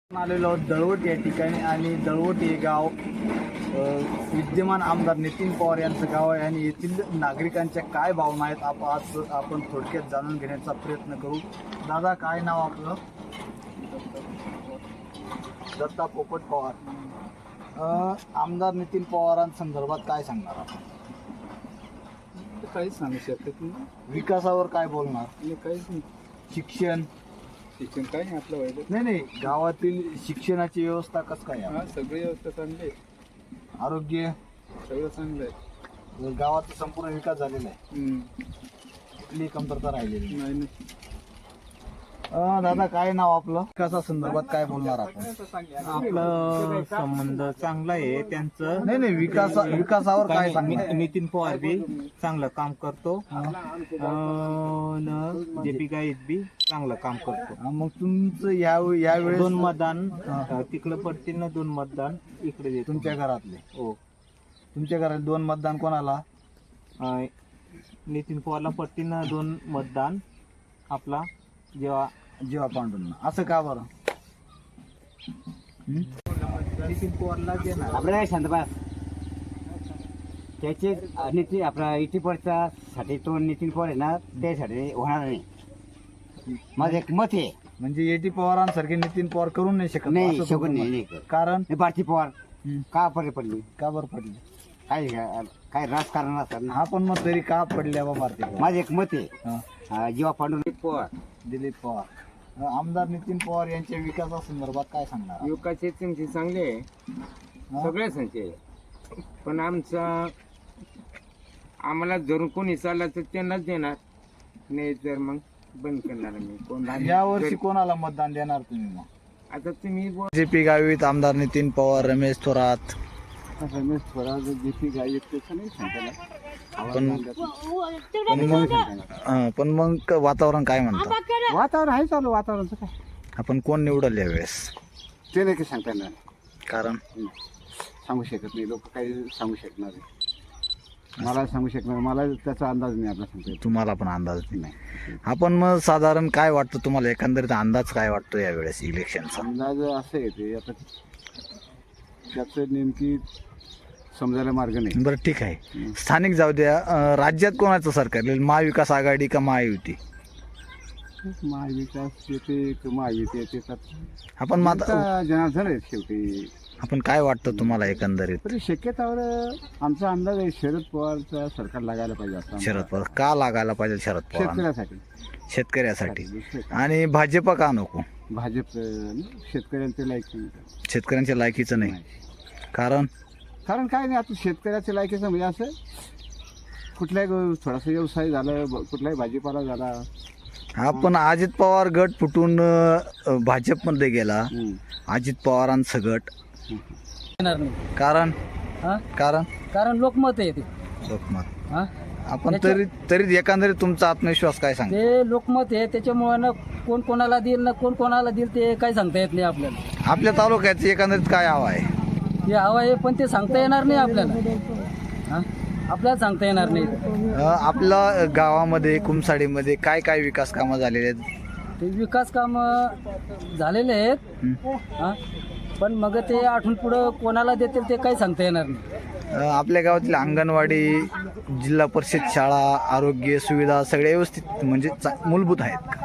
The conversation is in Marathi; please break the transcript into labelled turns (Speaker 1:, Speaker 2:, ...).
Speaker 1: आलेलो दळवट या ठिकाणी आणि दळवट हे गाव विद्यमान आमदार नितीन पवार यांचं गाव आहे आणि येथील नागरिकांच्या काय भावना आहेत आज आपण थोडक्यात जाणून घेण्याचा प्रयत्न करू. दादा, काय नाव आपलं? दत्ता पोपट पवार. आमदार नितीन पवारांसंदर्भात काय सांगणार आपण?
Speaker 2: काहीच सांगू शकत नाही.
Speaker 1: विकासावर काय बोलणार?
Speaker 2: काहीच नाही.
Speaker 1: शिक्षण
Speaker 2: काय नाही आपलं व्हायचं.
Speaker 1: नाही, गावातील शिक्षणाची व्यवस्था कसं काय आहे?
Speaker 2: सगळी व्यवस्था चांगली आहे.
Speaker 1: आरोग्य
Speaker 2: सगळं चांगलं आहे.
Speaker 1: गावाचा संपूर्ण विकास झालेला आहे. कुठली कमतरता राहिलेली
Speaker 2: नाही.
Speaker 1: दादा, काय नाव आपलं? विकासा संदर्भात काय बोलणार आपण?
Speaker 3: आपलं संबंध चांगला आहे त्यांचं.
Speaker 1: नाही, विकासावर काय सांगणार?
Speaker 3: नितीन पवार बी चांगलं काम करतो. जेपी गाईत बी चांगलं काम करतो.
Speaker 1: मग तुमचं यावेळेस
Speaker 3: 2 मतदान तिकडं पडतील ना, 2 मतदान इकडे देतो.
Speaker 1: तुमच्या घरातले?
Speaker 3: हो.
Speaker 1: तुमच्या घरात 2 मतदान कोणाला?
Speaker 3: नितीन पवारला पडतील ना 2 मतदान आपला
Speaker 1: जेव्हा पांडूंना. असं का बरं?
Speaker 3: नितीन पवारला देणार.
Speaker 4: आपल्याला शांतपास त्याचे नितीन आपला इटीपडचा साठी तो नितीन पवार आहे ना, त्यासाठी होणार नाही. माझं एक मत आहे.
Speaker 1: म्हणजे एटी पवारांसारखे नितीन पवार करून नाही शकत?
Speaker 4: नाही
Speaker 1: असं
Speaker 4: शकत
Speaker 1: तुम्ही
Speaker 4: नाही.
Speaker 1: म्हणता.
Speaker 4: नाही.
Speaker 1: कारण
Speaker 4: भारती पवार का पडली
Speaker 1: का बरं पडले?
Speaker 4: काय राजकारण असतात ना.
Speaker 1: हा, पण मग तरी का पडल्या बा भारती पवार?
Speaker 4: माझं एक मत आहे. जेव्हा पांडुरंग पवार
Speaker 1: दिलीप पवार. आमदार नितीन पवार यांच्या विकासासंदर्भात काय सांगणार?
Speaker 5: युवकाचे त्यांचे चांगले आहे, सगळे संचय. पण आम्हाला धरून कोणी चालला तर त्यांनाच देणार, नाही तर मग बंद करणार. मी कोण
Speaker 1: या वर्षी कोणाला मतदान देणार तुम्ही? मग
Speaker 5: आता तुम्ही
Speaker 1: जेपी गावित आमदार नितीन पवार, रमेश थोरात.
Speaker 2: रमेश थोरात जेपी गाईत त्याचं नाही सांगताना.
Speaker 1: पण मग वातावरण काय म्हणतं?
Speaker 2: वातावरण आहे चालू. वातावरणाचं काय
Speaker 1: आपण कोण निवडल यावेळेस?
Speaker 2: ते नाही काही सांगता येणार.
Speaker 1: कारण
Speaker 2: सांगू शकत नाही. लोक काही सांगू शकणार नाही. मला सांगू शकणार, मला त्याचा अंदाज नाही. आपला सांगता येत
Speaker 1: तुम्हाला पण अंदाज नाही. आपण मग साधारण काय वाटतं तुम्हाला, एकंदरीत अंदाज काय वाटतो यावेळेस इलेक्शनचा?
Speaker 2: अंदाज असं येते. आता त्याचं नेमकी समजायला मार्ग नाही.
Speaker 1: बरं, ठीक आहे. स्थानिक जाऊ द्या. राज्यात कोणाचं सरकार येईल? महाविकास आघाडी का महायुती?
Speaker 2: महाविकास येते, महायुती येते.
Speaker 1: आपण
Speaker 2: जनार्दन आहेत शेवटी.
Speaker 1: आपण काय वाटतं तुम्हाला एकंदरीत?
Speaker 2: तरी शक्यतावर आमचा अंदाज आहे शरद पवारचं सरकार लागायला पाहिजे. आता
Speaker 1: शरद पवार का लागायला पाहिजे? शरद पवार
Speaker 2: शेतकऱ्यासाठी.
Speaker 1: शेतकऱ्यासाठी. आणि भाजप का नको?
Speaker 2: भाजप शेतकऱ्यांचे लायकी.
Speaker 1: शेतकऱ्यांच्या लायकीचं नाही. कारण
Speaker 2: काय नाही. आता शेतकऱ्याच्या लायकीचं म्हणजे असं कुठलाही थोडासा व्यवसाय झाला, कुठलाही भाजीपाला झाला.
Speaker 1: आपण अजित पवार गट फुटून भाजपमध्ये गेला. अजित पवारांचं गट. कारण
Speaker 6: कारण लोकमत आहे ते.
Speaker 1: लोकमत. आपण तरी एकंदरीत तुमचा आत्मविश्वास काय सांगतो?
Speaker 6: ते लोकमत आहे, त्याच्यामुळे ना कोण कोणाला देईल ना कोण कोणाला देईल ते काही सांगता येत नाही आपल्याला.
Speaker 1: आपल्या तालुक्याची एकंदरीत काय हवा आहे?
Speaker 6: ते हवा आहे, पण ते सांगता येणार नाही आपल्याला. आपल्याला सांगता येणार नाही.
Speaker 1: आपल्या गावामध्ये कुमसाडीमध्ये काय काय विकास कामं झालेले आहेत?
Speaker 6: ते विकास काम झालेले आहेत, पण मग ते आठवून पुढं कोणाला देतील ते काही सांगता येणार नाही.
Speaker 1: आपल्या गावातील अंगणवाडी, जिल्हा परिषद शाळा, आरोग्य सुविधा सगळ्या व्यवस्थित म्हणजे मूलभूत आहेत का?